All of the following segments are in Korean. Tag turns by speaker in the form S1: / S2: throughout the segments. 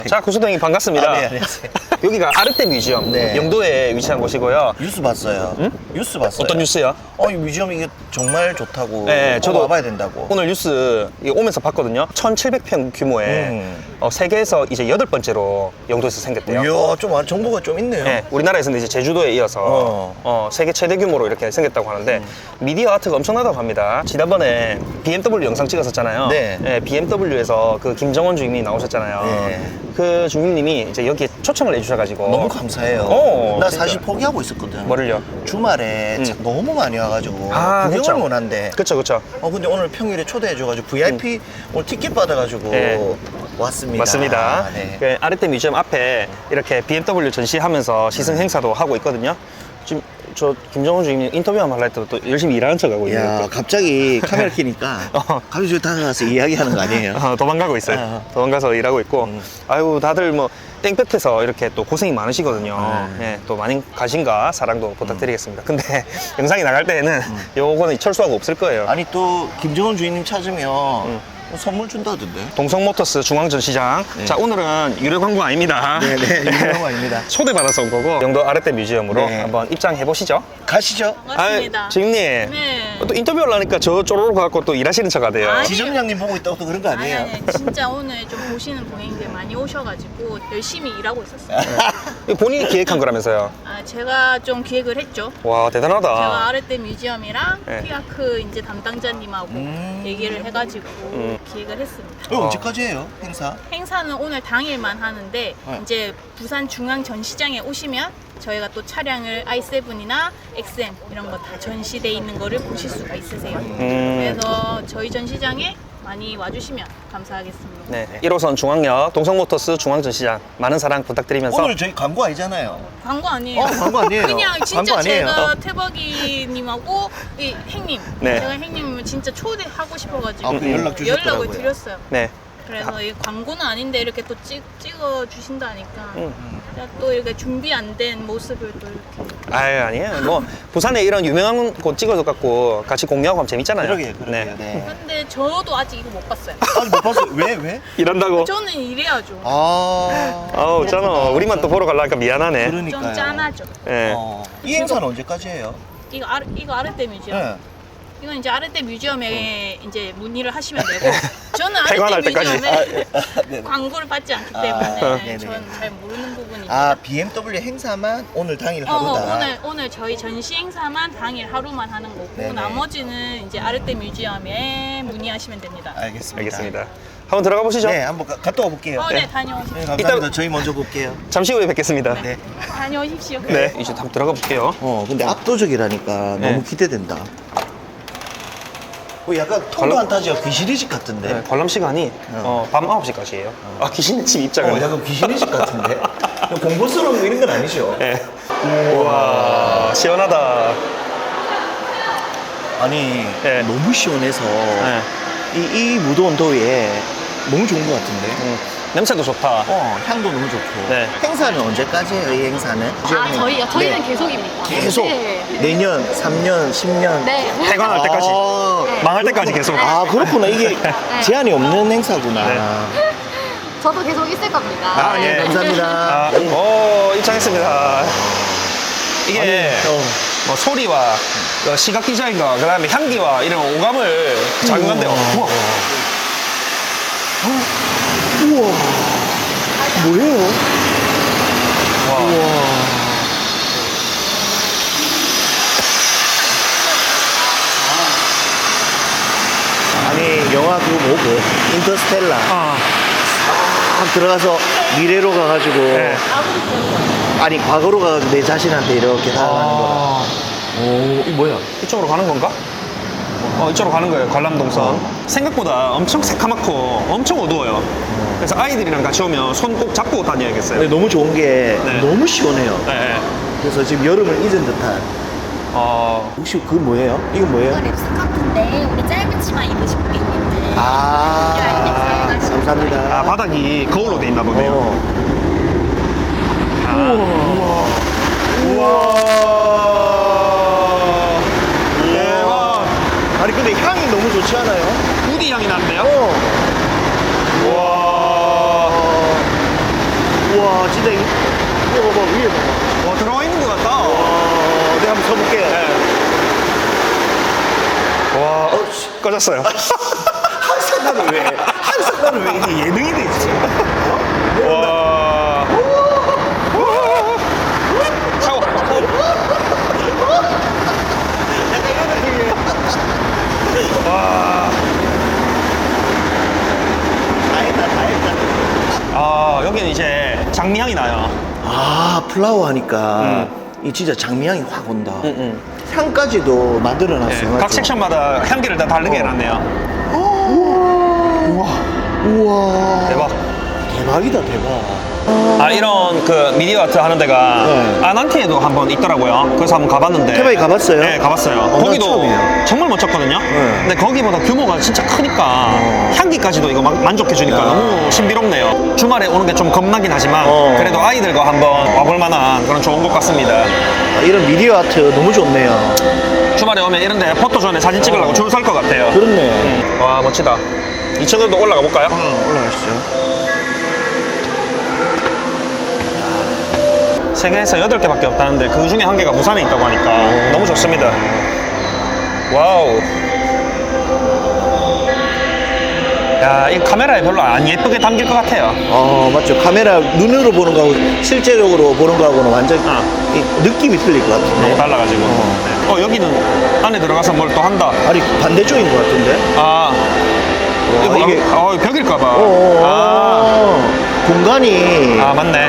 S1: 자, 구수동이 반갑습니다.
S2: 네, 안녕하세요.
S1: 여기가 아르떼 뮤지엄,
S2: 네.
S1: 영도에 위치한 곳이고요.
S2: 뉴스 봤어요.
S1: 응?
S2: 뉴스 봤어요.
S1: 어떤 뉴스요?
S2: 이 뮤지엄 이게 정말 좋다고.
S1: 네,
S2: 꼭
S1: 저도
S2: 와봐야 된다고.
S1: 오늘 뉴스 오면서 봤거든요. 1700평 규모의 세계에서 이제 8번째로 영도에서 생겼대요.
S2: 이야, 좀 정보가 좀 있네요.
S1: 네, 우리나라에서는 이제 제주도에 이어서 세계 최대 규모로 이렇게 생겼다고 하는데 미디어 아트가 엄청나다고 합니다. 지난번에 BMW 영상 찍었었잖아요.
S2: 네.
S1: BMW에서 그 김정원 주임이 나오셨잖아요.
S2: 네.
S1: 그 주임님이 이제 여기에 초청을 해주셔가지고
S2: 너무 감사해요. 나
S1: 진짜.
S2: 사실 포기하고 있었거든.
S1: 뭐를요?
S2: 주말에 너무 많이 와가지고 구경을
S1: 그쵸.
S2: 못 한대.
S1: 그쵸.
S2: 근데 오늘 평일에 초대해줘가지고 VIP 오늘 티켓 받아가지고
S1: 네.
S2: 왔습니다.
S1: 맞습니다.
S2: 네.
S1: 그 아르떼 뮤지엄 앞에 이렇게 BMW 전시하면서 시승 행사도 하고 있거든요. 지금 저 김정은 주임님 인터뷰 한번 할라 했더니 또 열심히 일하는 척하고 있는
S2: 야,
S1: 거.
S2: 갑자기 카메라 켜니까 갑자기 저기 다가가서 이야기하는 거 아니에요?
S1: 도망가고 있어요. 도망가서 일하고 있고. 아유, 다들 뭐 땡볕에서 이렇게 또 고생이 많으시거든요. 네, 또 많은 관심과 사랑도 부탁드리겠습니다. 근데 영상이 나갈 때에는 요거는 철수하고 없을 거예요.
S2: 아니 또 김정은 주인님 찾으면 선물 준다던데.
S1: 동성모터스 중앙전시장.
S2: 네.
S1: 자, 오늘은 유료 광고 아닙니다.
S2: 네네, 유명한 거 아닙니다.
S1: 초대받아서 온 거고 영도 아르떼 뮤지엄으로
S2: 네.
S1: 한번 입장해 보시죠.
S2: 가시죠.
S3: 맞습니다.
S1: 주임님.
S3: 네.
S1: 또 인터뷰 하려니까 저 쪼로로 가갖고 또 일하시는 척 하대요.
S3: 아니.
S2: 지점장님 보고 있다고 또 그런 거 아니에요?
S3: 아니, 진짜 오늘 좀 보시는 고객님들 많이 오셔가지고 열심히 일하고 있었어요.
S1: 이거 본인이 기획한 거라면서요.
S3: 제가 좀 기획을 했죠.
S1: 와, 대단하다.
S3: 제가 아르떼 뮤지엄이랑
S1: 네.
S3: 피아크 이제 담당자님하고 얘기를 해가지고 기획을 했습니다.
S2: 이거 언제까지 해요, 행사?
S3: 행사는 오늘 당일만 하는데 이제 부산 중앙 전시장에 오시면 저희가 또 차량을 i7이나 XM 이런 거 다 전시돼 있는 거를 보실 수가 있으세요. 그래서 저희 전시장에 많이 와주시면 감사하겠습니다.
S1: 네. 1호선 중앙역 동성모터스 중앙전시장 많은 사랑 부탁드리면서
S2: 오늘 저희 광고 아니잖아요.
S3: 광고 아니에요.
S2: 광고 아니에요.
S3: 그냥
S2: 광고
S3: 진짜
S2: 아니에요.
S3: 제가 태박이님하고 이 행님,
S1: 네.
S3: 제가 행님을 진짜 초대하고 싶어가지고
S2: 연락 주셨더라고요.
S3: 연락을 드렸어요.
S1: 네.
S3: 그래서 이 광고는 아닌데 이렇게 또 찍어 주신다니까 또 이렇게 준비 안 된 모습을 또 이렇게.
S1: 아유, 아니에요. 뭐 부산에 이런 유명한 곳 찍어서 갖고 같이 공유하고 하면 재밌잖아요.
S2: 그러게요.
S1: 네.
S2: 네.
S3: 근데 저도 아직 이거 못 봤어요.
S2: 아니, 못 봤어요. 왜?
S1: 이런다고.
S3: 저는 이래야죠.
S2: 아,
S1: 잖아. 우리만 또 보러 가려니까 미안하네.
S2: 그러니까요.
S3: 좀 짠하죠.
S1: 네.
S2: 이 행사는 언제까지 해요?
S3: 이거 아르떼 뮤지엄.
S2: 네.
S3: 이건 이제 아르떼 뮤지엄에 이제 문의를 하시면 되고 저는
S1: 퇴관할
S3: 아르떼
S1: 때까지.
S3: 뮤지엄에
S2: 네.
S3: 광고를 받지 않기 때문에
S2: 네네.
S3: 저는 잘 모르는 부분입니다.
S2: BMW 행사만 오늘 당일 하루다.
S3: 오늘 저희 전시 행사만 당일 하루만 하는 거고
S2: 네네.
S3: 나머지는 이제 아르떼 뮤지엄에 문의하시면 됩니다.
S1: 알겠습니다. 한번 들어가 보시죠.
S2: 네, 한번 갔다 와볼게요.
S3: 네, 다녀오십시오.
S2: 네, 감사합니다.
S1: 이따-
S2: 저희 먼저 볼게요.
S1: 잠시 후에 뵙겠습니다.
S2: 네.
S3: 다녀오십시오.
S1: 네. 이제 한번 들어가 볼게요.
S2: 근데 압도적이라니까
S1: 네.
S2: 너무 기대된다. 약간 통도 안 타지가 귀신의 집 같은데.
S1: 네, 관람 시간이 밤 9시까지예요. 아, 귀신 집 입장을.
S2: 약간 귀신의 집 같은데. 공포스러운 거 이런 건 아니죠?
S1: 네. 우와, 시원하다.
S2: 아니,
S1: 네.
S2: 너무 시원해서
S1: 네.
S2: 이 무더운 더위에 너무 좋은 것 같은데.
S1: 냄새도 좋다.
S2: 향도 너무 좋고.
S1: 네.
S2: 행사는 언제까지 해요, 이 행사는?
S4: 저희요? 저희는
S2: 네.
S4: 계속입니다.
S2: 계속?
S4: 네.
S2: 내년, 3년, 10년?
S4: 네.
S1: 퇴관할 때까지. 망할 때까지 계속.
S2: 아, 그렇구나. 이게 제한이 없는 행사구나.
S1: 네.
S4: 저도 계속 있을 겁니다.
S2: 아, 예,
S4: 네.
S2: 감사합니다.
S1: 입장했습니다. 이게 뭐 소리와 시각 디자인과 그다음에 향기와 이런 오감을 작용한대요. 우와.
S2: 우와. 뭐예요?
S1: 와.
S2: 우와. 아니, 영화 그거 뭐고? 인터스텔라. 딱 들어가서 미래로 가가지고.
S1: 네.
S2: 아니, 과거로 가가지고 내 자신한테 이렇게 다가가는 거라.
S1: 오, 이 뭐야? 이쪽으로 가는 건가? 이쪽으로 가는 거예요, 관람동선. 생각보다 엄청 새카맣고 엄청 어두워요. 그래서 아이들이랑 같이 오면 손 꼭 잡고 다녀야겠어요.
S2: 근데 너무 좋은 게
S1: 네.
S2: 너무 시원해요.
S1: 네.
S2: 그래서 지금 여름을 잊은 듯한. 혹시 그거 뭐예요? 이건 뭐예요?
S4: 이거 립스커트인데 우리 짧은 치마 입으신 고객님들.
S2: 아, 감사합니다.
S1: 아, 바닥이 거울로 돼 있나 보네요.
S2: 우와. 대박. 아니 근데 향이 너무 좋지 않아요?
S1: 우디 향이 나는데요?
S2: 우와. 우와, 진짜 이거 봐봐, 위에 봐봐.
S1: 와, 들어가 있는 것 같다.
S2: 내가 한번 서볼게요.
S1: 와, 꺼졌어요.
S2: 항상 나는 왜 이게 예능이 돼 있지?
S1: 와. 차워. 와.
S2: 다 했다.
S1: 아, 여기는 이제 장미향이 나요.
S2: 아, 플라워 하니까 이 진짜 장미향이 확 온다.
S1: 응.
S2: 향까지도 만들어놨어요.
S1: 각
S2: 맞죠?
S1: 섹션마다 향기를 다 다르게 해놨네요.
S2: 우와.
S1: 대박.
S2: 대박이다, 대박.
S1: 아, 이런 그 미디어 아트 하는 데가
S2: 네.
S1: 아난티에도 한번 있더라고요. 그래서 한번 가봤는데.
S2: 태바이 가봤어요?
S1: 네, 가봤어요.
S2: 나
S1: 거기도
S2: 처음이에요.
S1: 정말 멋졌거든요. 근데 거기보다 규모가 진짜 크니까 향기까지도 이거 만족해주니까 너무 신비롭네요. 주말에 오는 게 좀 겁나긴 하지만 그래도 아이들과 한번 와볼 만한 그런 좋은 곳 같습니다.
S2: 아, 이런 미디어 아트 너무 좋네요.
S1: 주말에 오면 이런 데 포토존에 사진 찍으려고 줄 설 것 같아요.
S2: 그렇네.
S1: 와, 멋지다. 2층으로도 올라가 볼까요?
S2: 올라가시죠.
S1: 세계에서 8개밖에 없다는데 그 중에 한 개가 부산에 있다고 하니까 너무 좋습니다. 와우. 야, 이 카메라에 별로 안 예쁘게 담길 것 같아요.
S2: 맞죠. 카메라 눈으로 보는 거하고 실제적으로 보는 거하고는 완전 이 느낌이 틀릴 것
S1: 너무
S2: 같은데.
S1: 달라가지고. 여기는 안에 들어가서 뭘 또 한다.
S2: 아니, 반대쪽인 것 같은데.
S1: 아, 이거
S2: 이게-
S1: 벽일까봐.
S2: 공간이.
S1: 아, 맞네.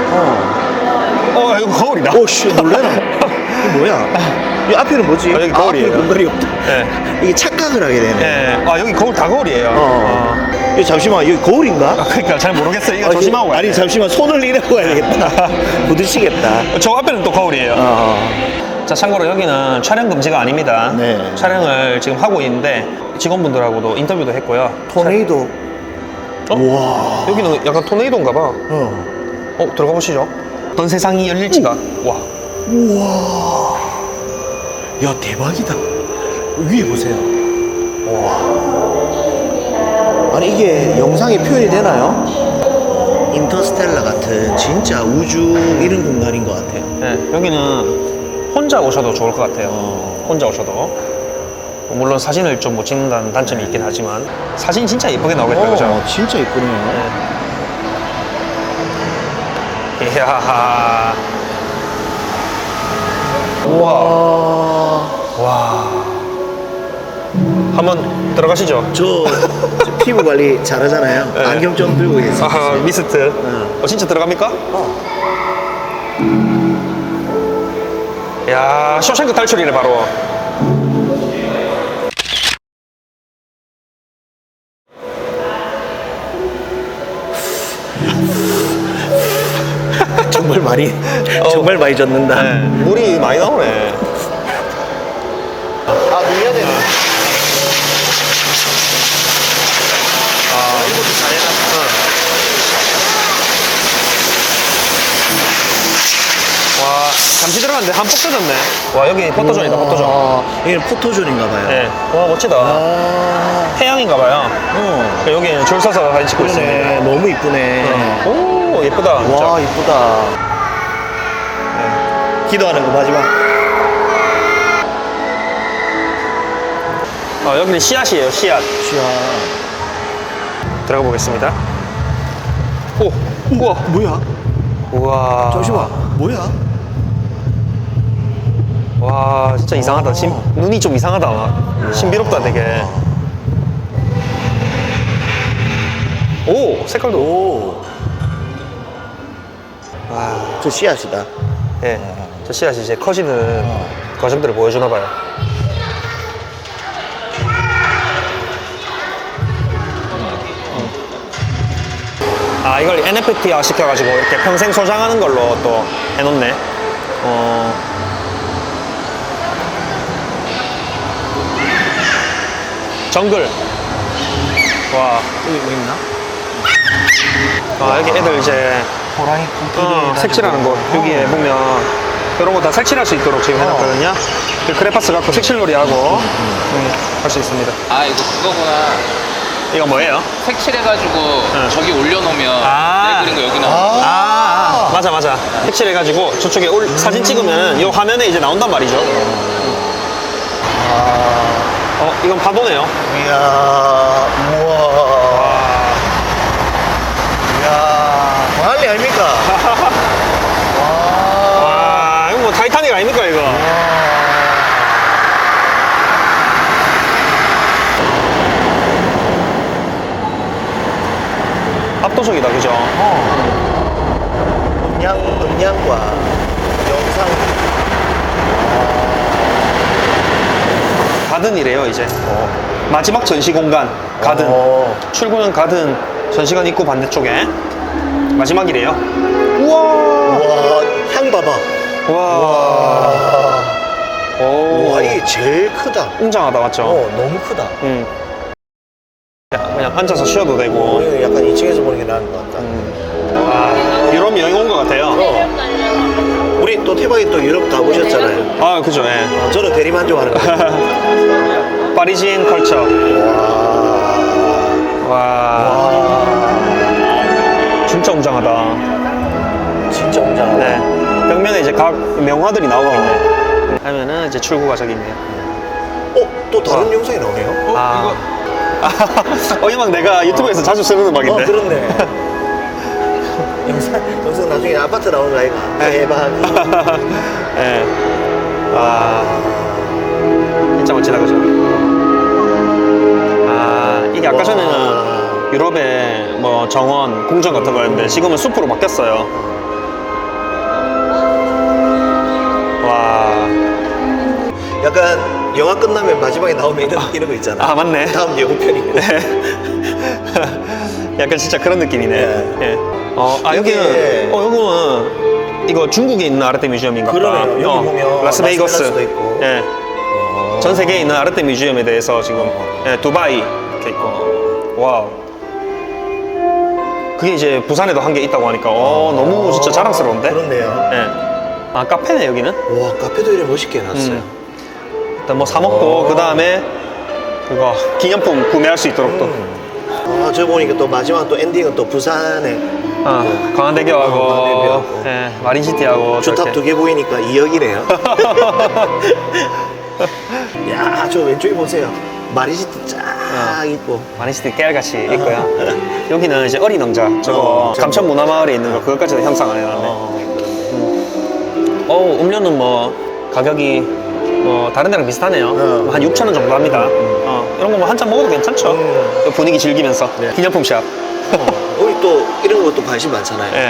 S1: 이거 거울이다.
S2: 오씨, 놀래라. 이게 뭐야? 이 앞에는 뭐지?
S1: 여기 거울이에요.
S2: 앞에 공간이 없다.
S1: 네.
S2: 이게 착각을 하게 되네.
S1: 예. 아, 여기 거울 다 거울이에요.
S2: 이거 잠시만, 여기 거울인가?
S1: 그러니까 잘 모르겠어요. 이거 조심하고 가야
S2: 아니,
S1: 돼.
S2: 잠시만, 손을 이라고 가야 되겠다. 부딪히겠다.
S1: 저 앞에는 또 거울이에요. 자, 참고로 여기는 촬영 금지가 아닙니다.
S2: 네.
S1: 촬영을 지금 하고 있는데 직원분들하고도 인터뷰도 했고요.
S2: 토네이도. 우와.
S1: 여기는 약간 토네이도인가 봐. 들어가 보시죠. 어떤 세상이 열릴지가. 와.
S2: 우와. 야, 대박이다. 위에 보세요. 와. 아니, 이게 영상에 표현이 되나요? 인터스텔라 같은 진짜 우주 이런 공간인 것 같아요.
S1: 네, 여기는 혼자 오셔도 좋을 것 같아요. 혼자 오셔도. 물론 사진을 좀 못 찍는다는 단점이 있긴 하지만 사진 진짜 예쁘게 나오겠다, 그죠?
S2: 진짜 이쁘네요.
S1: 이야.
S2: 우와.
S1: 와. 한번 들어가시죠.
S2: 저 피부 관리 잘하잖아요.
S1: 네.
S2: 안경 좀 들고 계세요.
S1: 아하, 미스트. 진짜 들어갑니까? 야, 쇼생크 탈출이네, 바로.
S2: 정말 많이 젖는다.
S1: 네, 물이 많이 나오네.
S2: 아, 밀려야 되네. 이것도 잘해놨어.
S1: 와, 잠시 들어갔는데 한폭 젖었네. 와, 여기 포토존이다, 포토존.
S2: 여기는 포토존인가 봐요.
S1: 네. 와, 멋지다. 해양인가 봐요. 여기 줄 서서 사진 찍고
S2: 그러네.
S1: 있습니다.
S2: 너무 이쁘네.
S1: 오, 예쁘다. 진짜.
S2: 와, 이쁘다. 기도하는 거 마지막.
S1: 여기는 씨앗이에요, 씨앗.
S2: 샤.
S1: 들어가 보겠습니다. 오, 우와.
S2: 뭐야?
S1: 우와.
S2: 잠시만. 뭐야?
S1: 와, 진짜 이상하다. 눈이 좀 이상하다. 신비롭다, 되게. 오, 색깔도.
S2: 오.
S1: 와,
S2: 저 씨앗이다.
S1: 예. 저 씨앗이 이제 커지는 과정들을 보여주나 봐요. 아, 이걸 NFT화 시켜가지고 이렇게 평생 소장하는 걸로 또 해놓네. 정글. 와.
S2: 여기 뭐 있나?
S1: 여기 애들 이제
S2: 호랑이 코끼리.
S1: 색칠하는 곳. 여기에 보면 이런 거 다 색칠할 수 있도록 지금 해놨거든요. 그 크레파스 갖고 색칠놀이 하고 할 수 있습니다.
S5: 아 이거 그거구나.
S1: 이거 뭐예요?
S5: 색칠해가지고 저기 올려놓으면
S1: 아.
S5: 내 그린 거 여기 나오는 거.
S1: 아, 맞아 맞아. 색칠해가지고 저쪽에 사진 찍으면 이 화면에 이제 나온단 말이죠. 이건 파도네요.
S2: 이야, 우와. 이야, 광안리 아닙니까?
S1: 와, 이거 뭐 타이타닉 아닙니까 이거? 압도적이다, 그죠?
S2: 음량과 영상.
S1: 가든이래요 이제. 마지막 전시 공간 가든. 출구는 가든, 전시관 입구 반대쪽에 마지막이래요. 우와.
S2: 우와, 향 봐봐.
S1: 와. 오.
S2: 와, 이게 제일 크다.
S1: 웅장하다, 맞죠?
S2: 너무 크다.
S1: 그냥 앉아서 쉬어도 되고.
S2: 이거 약간 2층에서 보는 게 나은 것 같다.
S1: 아, 유럽 여행 온 것 같아요.
S2: 우리 또 태박이 또 유럽 가보셨잖아요.
S1: 아, 그죠, 예.
S2: 저는 대리만족하는 거예요.
S1: 파리지엔 컬처. 와. 진짜 웅장하다.
S2: 진짜 웅장하다.
S1: 네. 벽면에 이제 각 명화들이 나오고 있네. 하면은 이제 출구가 저기 있네요.
S2: 또 다른 영상이 나오네요.
S1: 아. 이 음악 내가 유튜브에서 자주 쓰는 음악인데.
S2: 그렇네. 영상 나중에 아파트 나오는 거 아이가? 대박.
S1: 예. 와. 진짜 멋지다, 그죠? 아, 이게 아까 전에는 유럽의 뭐 정원, 궁전 같은 거였는데 지금은 숲으로 바뀌었어요. 와.
S2: 약간 영화 끝나면 마지막에 나오면 이런 거 있잖아.
S1: 아, 맞네.
S2: 다음 예고편 있고.
S1: 약간 진짜 그런 느낌이네.
S2: 네.
S1: 예. 여기는, 여기는 이거 중국에 있는 아르테 뮤지엄인가 봐.
S2: 그러네요. 여기 보면
S1: 라스베이거스.
S2: 라스베가스도 있고.
S1: 예. 전 세계에 있는 아르테 뮤지엄에 대해서 지금 예, 두바이 이렇게 있고. 와우. 그게 이제 부산에도 한 개 있다고 하니까 너무 진짜 자랑스러운데?
S2: 그렇네요.
S1: 예. 아, 카페네 여기는.
S2: 와, 카페도 이렇게 멋있게 해놨어요.
S1: 일단 뭐 사 먹고 그 다음에 그거 기념품 구매할 수 있도록 또.
S2: 저 보니까 또 마지막 또 엔딩은 또 부산에
S1: 광안대교하고
S2: 광안대교하고.
S1: 예, 마린시티하고
S2: 주탑
S1: 저렇게.
S2: 2개 보이니까 2억이네요. 야, 저 왼쪽에 보세요. 마리시티 쫙 있고.
S1: 마린시티 깨알같이 있고요. 여기는 이제 어린 왕자 저거 감천 문화마을에 있는 거 그것까지도 형상을 해놨네. 음료는 뭐 가격이 뭐 다른 데랑 비슷하네요. 한 6,000원 정도 합니다. 이런 거 뭐 한 잔 먹어도 괜찮죠. 분위기 즐기면서.
S2: 네.
S1: 기념품샵.
S2: 우리 또 이런 것도 관심 많잖아요.
S1: 예.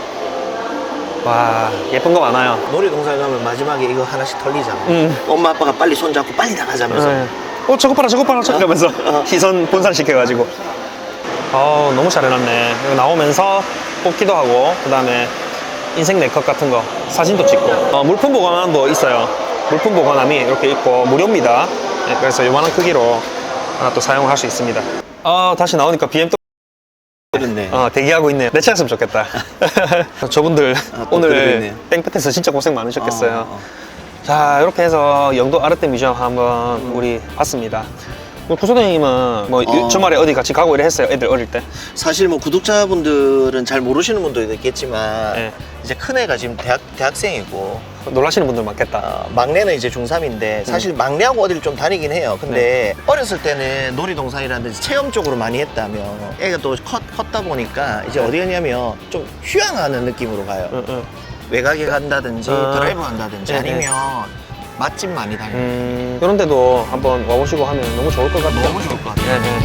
S1: 와, 예쁜 거 많아요.
S2: 놀이동산 가면 마지막에 이거 하나씩 털리잖아. 엄마 아빠가 빨리 손잡고 빨리 나가자면서.
S1: 예. 저거 봐라 이러면서 시선 분산시켜가지고. 너무 잘 해놨네. 여기 나오면서 뽑기도 하고 그 다음에 인생 네컷 같은 거 사진도 찍고 물품 보관함도 있어요. 물품 보관함이 이렇게 있고 무료입니다. 네, 그래서 요만한 크기로 하나 또 사용할 수 있습니다. 다시 나오니까 BMW
S2: 그렇네.
S1: 대기하고 있네요. 내 차였으면 좋겠다. 저분들
S2: 또
S1: 오늘
S2: 그러고 있네요.
S1: 땡볕에서 진짜 고생 많으셨겠어요. 자, 이렇게 해서 영도 아르테 뮤지엄 한번 우리 봤습니다. 구소장님은 뭐 주말에 어디 같이 가고 이래 했어요? 애들 어릴 때?
S2: 사실 뭐 구독자분들은 잘 모르시는 분도 있겠지만
S1: 네.
S2: 이제 큰애가 지금 대학생이고
S1: 놀라시는 분들 많겠다.
S2: 막내는 이제 중3인데 사실 막내하고 어디를 좀 다니긴 해요. 근데 어렸을 때는 놀이동산이라든지 체험 쪽으로 많이 했다면 애가 또 컸다 보니까 이제 어디 가냐면 좀 휴양하는 느낌으로 가요. 외곽에 간다든지 드라이브 간다든지
S1: 네,
S2: 아니면 맛집 많이 다니고
S1: 이런 데도 한번 와보시고 하면 너무 좋을 것 같아요.
S2: 너무 좋을 것 같아요.
S1: 네, 네.